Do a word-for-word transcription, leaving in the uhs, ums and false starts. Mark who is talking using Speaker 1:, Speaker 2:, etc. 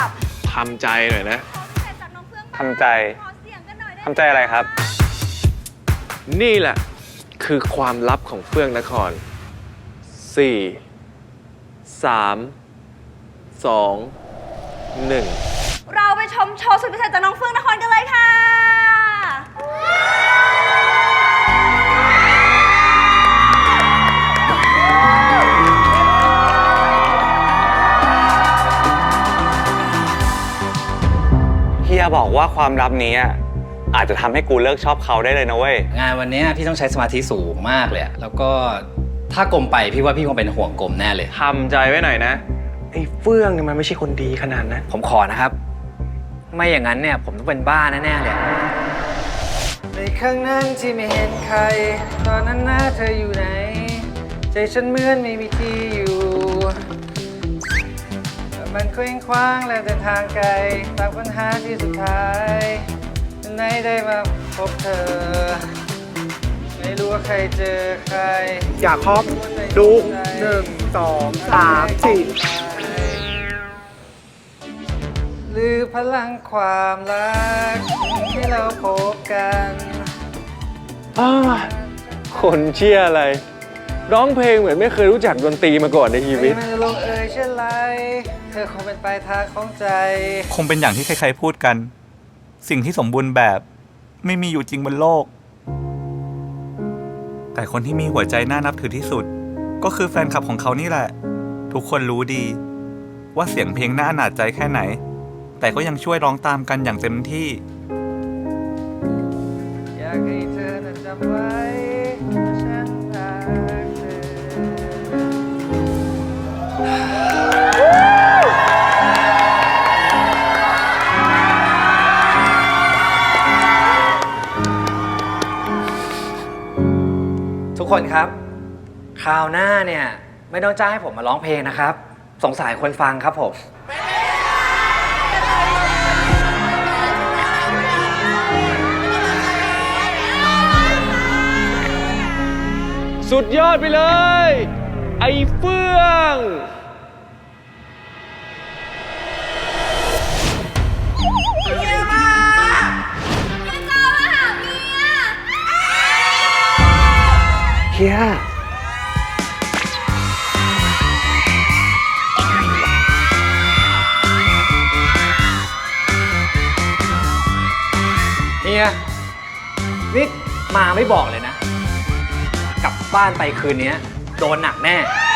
Speaker 1: ดับ
Speaker 2: ทำใจหน่อยนะ
Speaker 3: ทำใจทำใจอะไรครับ
Speaker 2: นี่แหละคือความลับของเฟื่องนครสี่สามสองหนึ่ง
Speaker 1: เราไปชมโชว์สุดพิเศษจากน้องเฟื่องนครกันเลยค่ะ
Speaker 3: เฮียบอกว่าความลับนี้อาจจะทำให้กูเลิกชอบเขาได้เลยนะเว้ย
Speaker 4: งานวันนี้พี่ต้องใช้สมาธิสูงมากเลยแล้วก็ถ้ากลมไปพี่ว่าพี่คงเป็นห่วงกลมแน่เลย
Speaker 2: ทำใจไว้หน่อยนะไอ้เฟื่องเนี่ยมันไม่ใช่คนดีขนาดนั้น
Speaker 4: ผมขอนะครับไม่อย่างนั้นเนี่ยผมต้องเป็นบ้าแน่ๆเลยในครั้งนั้นที่ไม่เห็นใครตอนนั้นหน้าเธออยู่ไหนใจฉันเหมือนไม่มีที่อยู่มันเคว้งคว้างและเดินทางไกลตามปัญหาที่สุดท้ายไหนได้มาพบเธอไม่รู้ว่าใครเจอใคร
Speaker 5: อยากครอบดูหนึ่งสองสามสี่
Speaker 4: หรือพลังความรักที่เราพบกัน
Speaker 2: คนเชี่ยอะไรร้องเพลงเหมือนไม่เคยรู้จักดนตรีมาก่อนในชีวิต
Speaker 4: ไม่ลงเอ่ยเช่นไรเธอคงเป็นปลายทางของใจ
Speaker 6: คงเป็นอย่างที่ใครๆพูดกันสิ่งที่สมบูรณ์แบบไม่มีอยู่จริงบนโลกแต่คนที่มีหัวใจน่านับถือที่สุดก็คือแฟนคลับของเขานี่แหละทุกคนรู้ดีว่าเสียงเพลงน่าอนาจใจแค่ไหนแต่ก็ยังช่วยร้องตามกันอย่างเต็มที่
Speaker 4: อยากให้เธอนั้นจำไว้ฉันรักเธอทุกคนครับคราวหน้าเนี่ยไม่ต้องจ้างให้ผมมาร้องเพลงนะครับสงสารคนฟังครับผม
Speaker 2: สุดยอดไปเลยไอ้เฟื่อง
Speaker 1: เมียมาเมียจ้ามาหาเมีย
Speaker 2: เฮีย
Speaker 4: เฮียนี่มาไม่บอกเลยนะกลับบ้านไปคืนนี้โดนหนักแน่